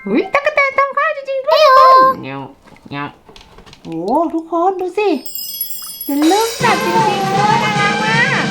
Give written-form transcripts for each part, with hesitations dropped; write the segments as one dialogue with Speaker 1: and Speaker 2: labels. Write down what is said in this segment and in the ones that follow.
Speaker 1: อุ้ยตั๊กแตนทำข้าวจริงๆด้วยเงี้ยวเงี้ยวโอ้ทุกคนดูสิเป็นลูกสัตว์จริงๆด้วยน่ารักมาก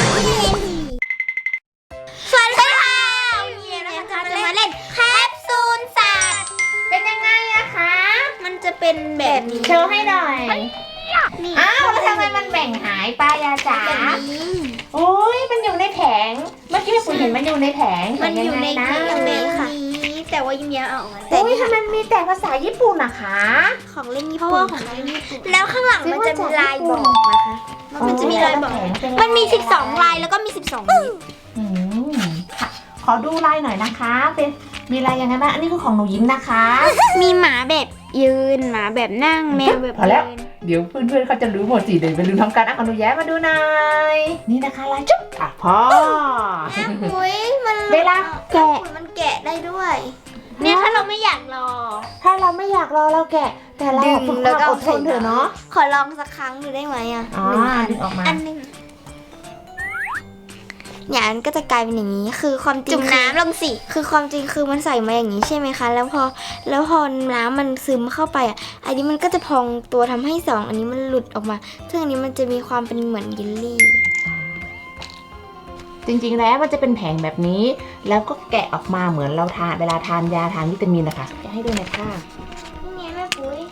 Speaker 2: สวัสดีค่ะวันนี้นะคะจะมาเล่นแคปซูลสัตว์
Speaker 1: เป็นยังไงอะคะ
Speaker 2: มันจะเป็นแบบนี้
Speaker 1: โชว์ให้หน่อยอ้าวแล้วทำไมมันแบ่งหายไปอะจ๋าโอ้ยมันอยู่ในแผงเมื่อกี้คุณเห็นมันอยู่ในแผง
Speaker 2: มันอยู่ใน
Speaker 1: นะ
Speaker 2: นี้ค่ะแต่ว่ายิ้มออกมา
Speaker 1: โอ้ยทำไมมีแต่ภาษาญี่ปุ่นอะคะ
Speaker 2: ของเล่นญี่ปุ่นของเล่นญี่ปุ่นแล้วข้างหลังมันจะมีลายบอกนะคะมันจะมีลายบอกมันมี12ลายแล้วก็มี12นิ้ว
Speaker 1: ค่ะขอดูลายหน่อยนะคะเป็นมีลายยังไงบ้างอันนี้คือของหนูยิ้มนะคะ
Speaker 2: มีหมาแบบยืนหมาแบบนั่งแมวแบบ
Speaker 1: พอแล้วเดี๋ยวเพื่อนๆเขาจะรู้หมดสิเดี๋ยวไปลืมทำการอ่ะขอหนูแย้มาดูหน่อยนี่นะคะลายจุ๊บอ่ะพอ
Speaker 2: อุ้ยมัน
Speaker 1: เวลาแกะ
Speaker 2: มันแกะได้ด้วยเนี่ยถ้าเราไม่อยากรอ
Speaker 1: ถ้าเราไม่อยากรอเราแกะแต่เราฝึกความอดทนเถอะเนาะ
Speaker 2: ขอลองสักครั้งดูได้ไหมอ่ะ
Speaker 1: ดึงออกมา
Speaker 2: อันหนึ่งเนี่ยมันก็จะกลายเป็นอย่างนี้คือความจริงจุ่มน้ำลงสิคือความจริงคือมันใส่มาอย่างนี้ใช่ไหมคะแล้วพอน้ำมันซึมเข้าไปอ่ะอันนี้มันก็จะพองตัวทำให้2อันนี้มันหลุดออกมาซึ่งอันนี้มันจะมีความเป็นเหมือนเยลลี่
Speaker 1: จริงๆแล้วมันจะเป็นแผงแบบนี้แล้วก็แกะออกมาเหมือนเราทานเวลาทานยาทานวิตามินนะคะแกะให้ดูหน่อยค่ะ
Speaker 2: นี่แม่ปุ้ย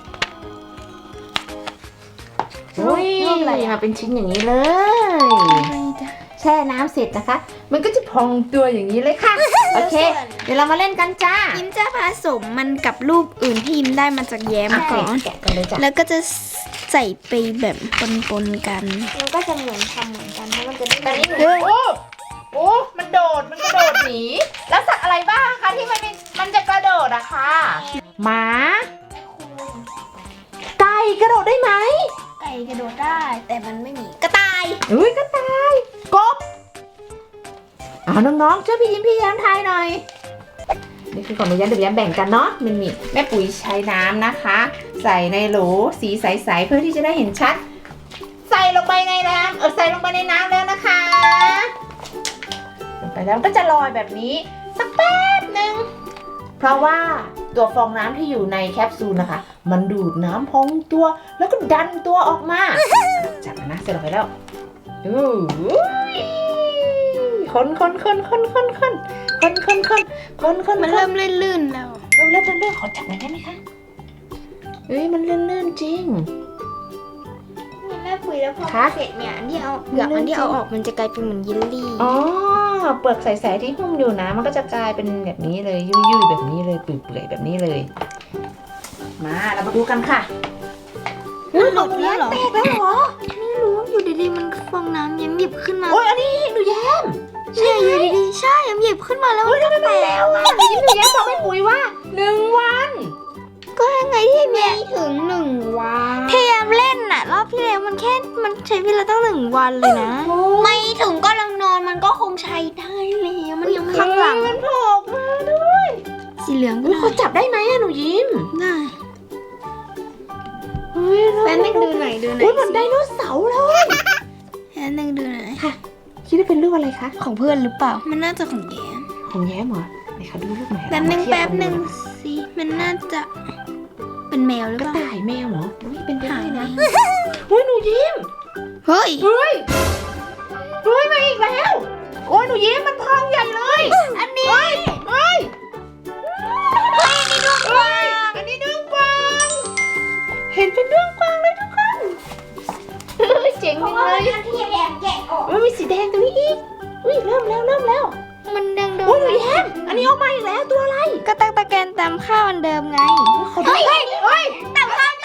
Speaker 1: อุ้ยมาเป็นชิ้นอย่างนี้เลยแช่น้ำเสร็จนะคะมันก็จะพองตัวอย่างนี้เลยค่ะโอเคเดี๋ยวเรามาเล่นกันจ้า
Speaker 2: ยิ้มจะผสมมันกับรูปอื่นที่ยิ้มได้มาจากแย้มก่อน
Speaker 1: แกะกันเลยจ้ะ
Speaker 2: แล้วก็จะใส่ไปแบบปนๆกันมันก็จะเหมือนทำเหมือนกันเพราะมันจะได้
Speaker 1: โอ้มันกระโดดหนีแล้วสัตว์อะไรบ้างคะที่มันจะกระโดดอะค่ะหมาไก่กระโดดได้ไหม
Speaker 2: ไก่กระโดดได้แต่มันไม่มีกระต่าย
Speaker 1: อุ้ยกระต่ายกบน้องๆช่วยพี่ยิ้มพี่แย้มทายหน่อยนี่คือของหนูแย้มเดี๋ยวแย้มแบ่งกันเนาะมันมีแม่ปุ๋ยใช้น้ำนะคะ ใส่ในโหลสีใสๆเพื่อที่จะได้เห็นชัดใส่ลงไปในน้ำใส่ลงไปในน้ำแล้วนะคะลงไปแล้วก็จะลอยแบบนี้สักแป๊บหนึ่งเพราะว่าตัวฟองน้ำที่อยู่ในแคปซูลนะคะมันดูดน้ำพองตัวแล้วก็ดันตัวออกมาจับนะเสร็จลงไปแล้วคน
Speaker 2: มันเริ่มลื่นๆแล้ว
Speaker 1: เริ่มขอจับหน่อยได้ไหมคะมันลื่นจริง
Speaker 2: แม่ปุ๋ยแล้วพอเสร็จเนี่ยอันที่เอาเปลือกอันที่เอาออกมันจะกลายเป็นเหมือนเยลลี่
Speaker 1: เปลือกใสๆที่หุ้มอยู่นะมันก็จะกลายเป็นแบบนี้เลยยุ่ยๆแบบนี้เลยเปื่อยๆแบบนี้เลยมาเรามาดูกันค่ะ
Speaker 2: มันหลุดแล้วเหรอแตกแล้วเหรอไม่รู้อยู่ดีๆมันฟองน้ำหยิบขึ้นมา
Speaker 1: อันนี้หนูแย้ม
Speaker 2: ใช่อยู่ดีๆใช่หยิบขึ้นมาแล้วมันก็แตกแล้ว
Speaker 1: หนูแย้มบอกแม่ปุ๋ยว่า1 วัน
Speaker 2: ก็ยังไงที่ไม่ถึง1 วันพยายามเล่นน่ะรอบที่แล้วมันใช้เวลาตั้ง1 วันเลยนะไม่ถึงก็ลังนอนมันก็คงใช้ได้แล้วมันยังข้างหลัง
Speaker 1: มันโผล่มาด้วย
Speaker 2: สีเหลือง
Speaker 1: เขาจับได้ไหมอะหนูยิ้ม
Speaker 2: ได้แป๊บนึงดูหน่อย
Speaker 1: เหมือนไดโนเสาร์เลย
Speaker 2: แป๊บนึงดูหน่อย
Speaker 1: ค่ะคิดว่าเป็นรูปอะไรคะ
Speaker 2: ของเพื่อนหรือเปล่ามันน่าจะของแย้ม
Speaker 1: เหรอไหนคะดูรูปไหน
Speaker 2: แป๊บนึงสิมันน่าจะเป็นแมวหรือเปล่าก
Speaker 1: ระต่ายแมวเหรอเป็นไปได้นะหนูยิ้ม
Speaker 2: เฮ้ย
Speaker 1: มาอีกแล้วหนูยิ้มมันพองใหญ่เลย
Speaker 2: อันนี้
Speaker 1: อันนี้ด้วงกวางเห็นเป็นด้วงกวางเลยทุกคนเจ๋งเลย
Speaker 2: ที่แย้มแกะออก
Speaker 1: มันมีสีแดงตรงนี้อีกเริ่มแล้ว
Speaker 2: มันดัง
Speaker 1: หนูแย้มอันนี้ออกมาอีกแล้วตัวอะไร
Speaker 2: ก็ตะแกนตามข้าวอันเดิมไงเฮ้ยตามข้าว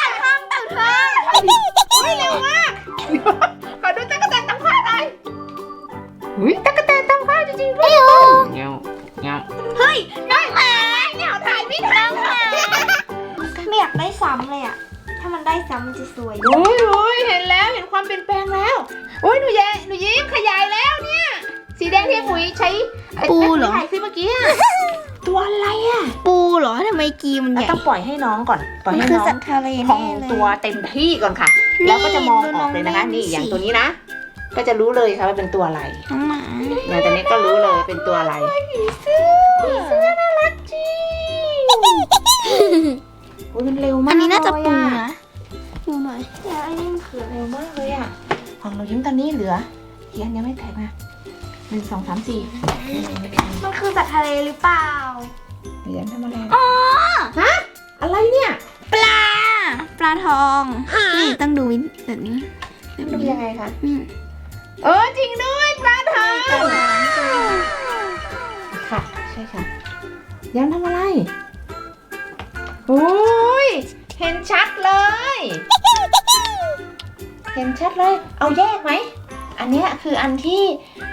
Speaker 1: เร็วมากขอดูตั๊กแตนตำข้าวหน่อยตั๊กแตนตำข้าวจริงๆด้วยเงี้ย
Speaker 2: เฮ้ยน้องหมาเนี่ยถ่ายไม่ทันไม่อยากได้ซ้ำเลยอ่ะถ้ามันได้ซ้ำมันจะสวย
Speaker 1: เห็นแล้วเห็นความเปลี่ยนแปลงแล้วหนูยิ้มขยายแล้วเนี่ยสีแดงที่ปุ๋ยใช้
Speaker 2: ปูเหรอ
Speaker 1: ถ่ายคลิปเมื่อกี้ตัวอะไรอ่ะ
Speaker 2: ปูเหรอทำไมกีมันใหญ่
Speaker 1: ต้องปล่อยให้น้องก่อนปล่อยให้น้องพองตัวเต็มที่ก่อนค่ะแล้วก็จะมองออกเลยนะคะนี่อย่างตัวนี้นะก็จะรู้เลยค่ะว่าเป็นตัวอะไร
Speaker 2: น้องหมา
Speaker 1: อย่างตัวนี้ก็รู้เลยเป็นตัวอะไรผีเสื้อน่ารักจริงอุ้ยมันเร็วมาก
Speaker 2: อันนี้น่าจะปู
Speaker 1: เลยอ
Speaker 2: นะดูหน่อยแล้วอันนี้มันคืออะไร
Speaker 1: เร็วมากเลยอ่ะของเรายิ้มตอนนี้เหลือกี่อันยังไม่แตกนะ1 2 3 4
Speaker 2: มันคือสัตว์ทะเลหรือเปล่า
Speaker 1: หนูยิ้มทำอะไร
Speaker 2: อ๋อ
Speaker 1: ฮะอะไรเนี่ย
Speaker 2: ปลาทองนี่ต้องดูแบบนี้
Speaker 1: ดูยังไงคะ
Speaker 2: อืม
Speaker 1: จริงด้วยปลาทองค่ะใช่ค่ะยังทำอะไรโอ้ยเห็นชัดเลย เห็นชัดเลย เอาแยกไหมอันเนี้ยคืออันที่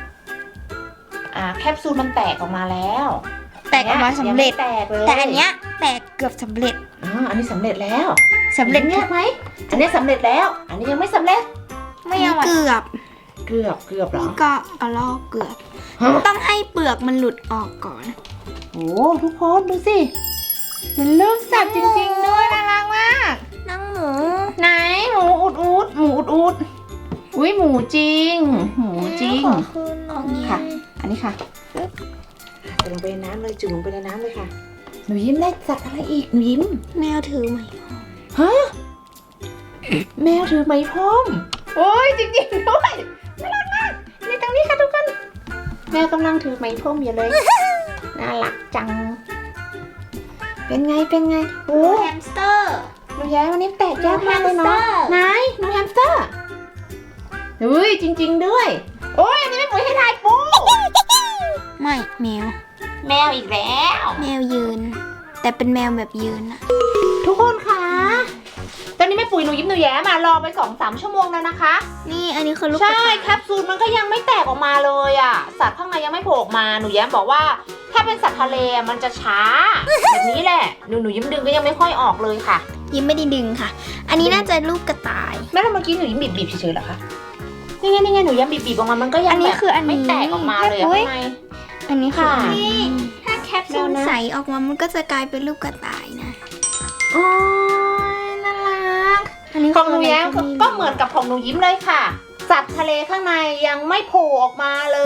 Speaker 1: แคปซูลมันแตกออกมาแล้ว
Speaker 2: แตกออกมาสำเร็จ
Speaker 1: ยังไม่แตกเลย
Speaker 2: แต่อันเนี้ยแตกเกือบสำเร็จ
Speaker 1: อันนี้สำเร็จแล้ว
Speaker 2: สำเร็จ
Speaker 1: แยกไหมอันนี้สำเร็จแล้ว อันนี้ยังไม่สำเร็จ
Speaker 2: ไม่เอาเกือบ
Speaker 1: เกือบเหรอ
Speaker 2: นี่ก็เอาลอกเกือบ
Speaker 1: ฮะ
Speaker 2: ต้องให้เปลือกมันหลุดออกก่อน
Speaker 1: โอ้ทุกคนดูสิเป็นรูปสัตว์จริงๆด้วยน่ารักมาก
Speaker 2: นั่งหมู
Speaker 1: ไหนหมูอุดอุ้ยหมูจริง หมูจริง
Speaker 2: ขอคืนหน่อย
Speaker 1: ค่ะ อันนี้ค่ะจุ่มลงไปในน้ำเลยจุ่มลงไปในน้ำเลยค่ะหนูยิ้มได้สัตว์อะไรอีกหนูยิ้ม
Speaker 2: แมวถือไหม
Speaker 1: ฮะแมวถือไม้พรมโอ้ยจริงๆด้วยน่ารักมากนี่ตรงนี้ค่ะทุกคนแมวกำลังถือไม้พรมอยู่เลยน่ารักจัง เป็นไงโอ้
Speaker 2: แฮมสเตอร์
Speaker 1: หนูแย้วันนี้แตกยากมากเลย
Speaker 2: หนูแฮมสเตอ
Speaker 1: เนาะ
Speaker 2: ร์
Speaker 1: ไหนหนูแฮมสเตอร์เฮ้ยจริง ๆด้วย โอ้ยอันนี้ไม่ปุ๋ยให้ทายปู
Speaker 2: ไม่แมว
Speaker 1: แมวอีกแล้ว
Speaker 2: แมวยืน แต่เป็นแมวแบบยืนอะ
Speaker 1: ทุกคนคะตอนนี้แม่ปุ๋ยหนูยิ้มหนูแย้มารอไป 2-3 ชั่วโมงแล้วนะคะ
Speaker 2: นี่อันนี้คือลูก
Speaker 1: ใช่
Speaker 2: กระต่าย
Speaker 1: แคปซูลมันก็ยังไม่แตกออกมาเลยอ่ะสัตว์ข้างในยังไม่โผล่ออกมาหนูแย้มบอกว่าถ้าเป็นสัตว์ทะเลมันจะช้า แบบนี้แหละหนูยิ้มดึงก็ยังไม่ค่อยออกเลยค่ะ
Speaker 2: ยิ้มไม่ได้ดึงค่ะ อันนี้น่าจะลูกกระต่าย
Speaker 1: แม่แล้วเมื่อกี้หนูยิ้มบีบเฉยๆเหรอคะนี่ไงหนูยิ้มบีบออกมามันก็ยัง
Speaker 2: อันนี้
Speaker 1: แบบ
Speaker 2: คืออันนี้
Speaker 1: ไม่แตกออกมาเลยอะ
Speaker 2: แม่ปุ๋ย
Speaker 1: ข้างใน
Speaker 2: อันนี้คือ
Speaker 1: ค่ะ
Speaker 2: อันนี้ถ้าแคปซูล
Speaker 1: เดี๋ยวนะ
Speaker 2: ใสออกมามันก็จะกลายเป็นลูกกระต่ายนะ
Speaker 1: โอ้ยน่ารัก
Speaker 2: อันนี้
Speaker 1: ของหนูแย้ม
Speaker 2: คืออะไร
Speaker 1: ก็เหมือนกับของหนูยิ้มเลยค่ะ สัตว์ทะเลข้างในยังไม่โผล่ออกมาเลย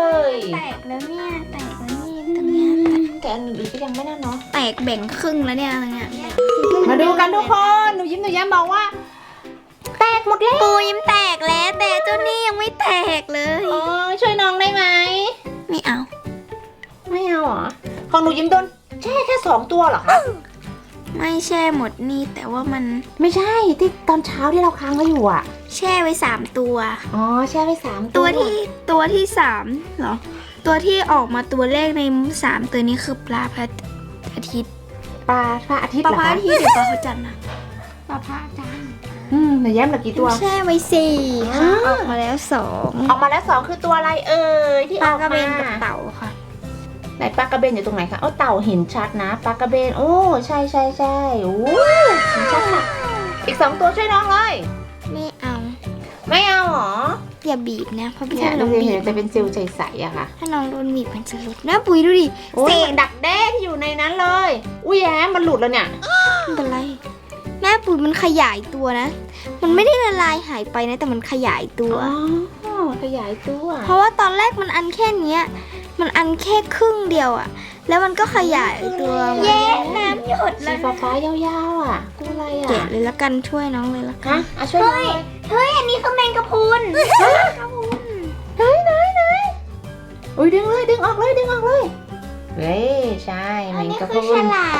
Speaker 2: แตกแล้วเนี่ยแตกแล้วนี่ตรงเนี้ย
Speaker 1: แต่อันอื่นก็ยังไม่น่าเนาะ
Speaker 2: แตกแบ่งครึ่งแล้วเนี่ยอะไรเงี้ย
Speaker 1: มาดูกันทุกคนหนูยิ้มหนูแย้มบอกว่า แตกหมดแล้ว
Speaker 2: ปูยิ้มแตกแล้วแต่เจ้านี่ยังไม่แตกเลย
Speaker 1: อ๋อช่วยน้องได้ไหม
Speaker 2: ไม่เอา
Speaker 1: ไม่เอาเหรอของหนูยิ้มโดนแค่2 ตัวเหรอคะ
Speaker 2: ไม่แช่หมดนี่แต่ว่ามัน
Speaker 1: ไม่ใช่ที่ตอนเช้าที่เราค้างไว้อยู่อ่ะ
Speaker 2: แช่ไว้3ตัว
Speaker 1: อ๋อแช่ไว้3
Speaker 2: ตัวที่3เหรอ ตัวที่ออกมาตัวแรกใน3ตัวนี้คือปลาพระอาทิตย์
Speaker 1: ปลาพระอาทิตย์
Speaker 2: ปลา
Speaker 1: เหรอ
Speaker 2: พระ
Speaker 1: คะ
Speaker 2: อาทิตย์หรือปลาพระจันทร์นะปลาพระจันทร์
Speaker 1: หนูแย้มเหลือกี่ตัว
Speaker 2: แช่ไว้4ค่ะ
Speaker 1: อ่า
Speaker 2: ออกมาแล้ว
Speaker 1: ออกมาแล้ว2คือตัวอะไรเอ่ยที่
Speaker 2: 2
Speaker 1: อ
Speaker 2: ปลา
Speaker 1: อก
Speaker 2: กระเบ
Speaker 1: มาน
Speaker 2: กับเต่าค่ะ
Speaker 1: ไหนปลากระเบนอยู่ตรงไหนคะเต่าเห็นชัดนะปลากระเบนโอ้ใช่โอ้เห็นชัดค่ะอีก2 ตัวช่วยน้องเลย
Speaker 2: ไม่เอา
Speaker 1: ไม่เอาเหรอ
Speaker 2: อย่าบีบนะเพราะพี่
Speaker 1: เนี่ย
Speaker 2: ถ้า
Speaker 1: ดู
Speaker 2: น้อง
Speaker 1: สิ
Speaker 2: บี
Speaker 1: เห็
Speaker 2: บ
Speaker 1: นจะเป็นเซลล์ใสๆอะค่ะ
Speaker 2: ถ้าน้องโดนบีบมันจะหลุดนะปุ๋ยดูดิ
Speaker 1: โอ้ย
Speaker 2: เศ
Speaker 1: เหมื
Speaker 2: ษ
Speaker 1: อนดักแด้ที่อยู่ในนั้นเลย อุ้ยแย้มมันหลุดแล้วเนี่ย
Speaker 2: ไม่เป็นไรแม่ปุ๋ยมันขยายตัวนะ มันไม่ได้ละลายหายไปนะแต่มันขยายตัว
Speaker 1: อ๋อขยายตัว
Speaker 2: เพราะว่าตอนแรกมันอันแค่เนี้ย มันอันแค่ครึ่งเดียวอะแล้วมันก็ขยายตัวมา
Speaker 1: แย่
Speaker 2: น้ำหยด
Speaker 1: สีฟ้าๆยาวๆอ่ะกูอะไรอ่ะ
Speaker 2: แกะเลยละกันช่วยน้องเลยละกัน
Speaker 1: ฮะช่วยน้องเลย
Speaker 2: เฮ้ยอันนี้คือแมงกะพรุน
Speaker 1: ไหนอุ้ยดึงออกเลยเฮ้ยใช่แม
Speaker 2: อัน
Speaker 1: ง
Speaker 2: นี้
Speaker 1: กะพ
Speaker 2: คือ
Speaker 1: รุ
Speaker 2: ฉ
Speaker 1: น
Speaker 2: ลาม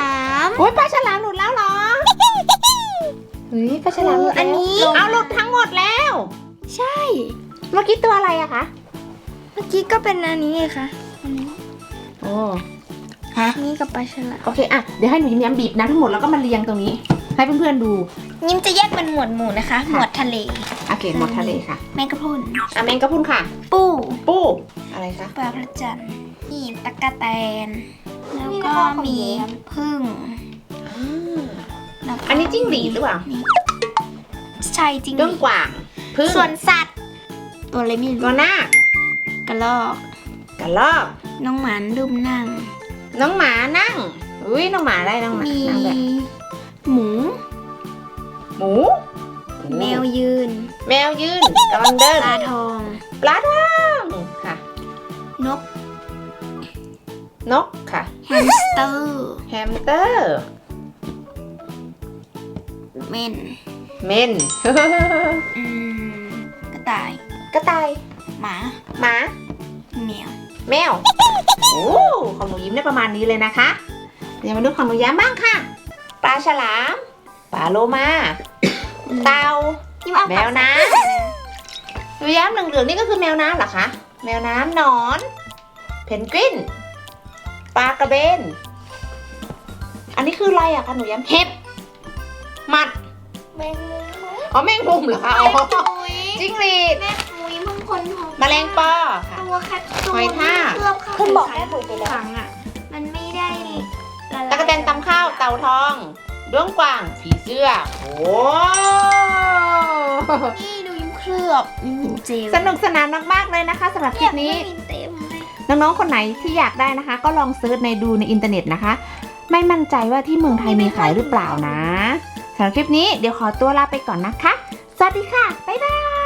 Speaker 1: โอ้ยปลาฉลามหลุดแล้วเหรอเฮ้ยปลาฉลามหลุดแล้ว
Speaker 2: อันนี้
Speaker 1: เอาหลุดทั้งหมดแล้ว
Speaker 2: ใช่
Speaker 1: เมื่อกี้ตัวอะไรอะคะ
Speaker 2: เมื่อกี้ก็เป็นอันนี้ไงคะอันนี้
Speaker 1: โอ้
Speaker 2: นี่กับปลาฉลาม
Speaker 1: โอเคอะเดี๋ยวให้หนูยิ้มบีบน้ำทั้งหมดแล้วก็มาเรียงตรงนี้ ให้เพื่อนๆดู
Speaker 2: ยิ้มจะแยกเป็นหมวดหมู่นะคะ หมวดทะเล
Speaker 1: โอเคหมดทะเลค่ะ
Speaker 2: แมงกะพรุน
Speaker 1: แมงกะพรุนค่ะ
Speaker 2: ปู
Speaker 1: ปูอะไรคะ
Speaker 2: ปลาพระจันทร์นี่ตะกะแตน แล้ว
Speaker 1: นี่
Speaker 2: ก็
Speaker 1: นะคะของ
Speaker 2: มี
Speaker 1: แย้ม
Speaker 2: ผึ้งแล้วก็
Speaker 1: อันนี้จิ้งหรีดหรือเปล่า
Speaker 2: นี่ใช่จริง
Speaker 1: ด้วงกว่างพึ่ง
Speaker 2: ส่วนสัตว์ ตัวอะไรไม่
Speaker 1: ตั
Speaker 2: รู้
Speaker 1: วหน้าก
Speaker 2: ระรอก
Speaker 1: กระรอก
Speaker 2: น้องหมานดุมนั่ง
Speaker 1: น้องหมานั่งอุ้ยน้องหมาได้น้องหมา
Speaker 2: มี
Speaker 1: นั่งแบบ
Speaker 2: หมู
Speaker 1: หมู
Speaker 2: แมวยืน
Speaker 1: แมวยืนกำลังเดิน
Speaker 2: ปลาทอง
Speaker 1: ปลาทองค่ะ
Speaker 2: นก
Speaker 1: นกค่ะ
Speaker 2: แฮมสเตอร์
Speaker 1: แฮมสเตอร์
Speaker 2: เม่น
Speaker 1: เม่น
Speaker 2: กระต่าย
Speaker 1: กระต่าย
Speaker 2: หมา
Speaker 1: หมา
Speaker 2: แมว
Speaker 1: แมว โอ้ของหนูยิ้มได้ประมาณนี้เลยนะคะ เดี๋ยวมาดูของหนูแย้มบ้างค่ะ ปลาฉลาม ปลาโลมา เต่า แมวน้ำหนูแย้มเหลืองๆนี่ก็คือแมวน้ำเหรอคะ แมวน้ำหนอน เพนกวิน ปลากระเบน อันนี้คืออะไรอะคะหนูแย้มเห็บหมัด
Speaker 2: แมงมุม
Speaker 1: อ๋อแมงมุมเหรอคะอ๋อจิ้งหรีด
Speaker 2: แม่ปุยมึงคนของ
Speaker 1: แมลงปอค่ะ
Speaker 2: ตัวแคทตัว
Speaker 1: หอยทาก
Speaker 2: เคลือบเข้า
Speaker 3: คุณบอกแม่ปุ๋ยไปแล้ว
Speaker 2: ขังอ่ะ มันไม่ได้ละลาย
Speaker 1: ตะกะแตนตำข้าวเต่าทองด้วงกวางผีเสื้อ โอ้
Speaker 2: นี่ดูยิ้มเคลือบยิ้มเจล
Speaker 1: สนุกสนานมากๆเลยนะคะสำหรับคลิปนี้
Speaker 2: เยเต็มเลย
Speaker 1: น้องๆ คนไหนที่อยากได้นะคะ ก็ลองเซิร์ชดูในอินเทอร์เน็ตนะคะ ไม่มั่นใจว่าที่เมืองไทยมีขายหรือเปล่านะสำหรับคลิปนี้เดี๋ยวขอตัวลาไปก่อนนะคะ สวัสดีค่ะ บ๊ายบาย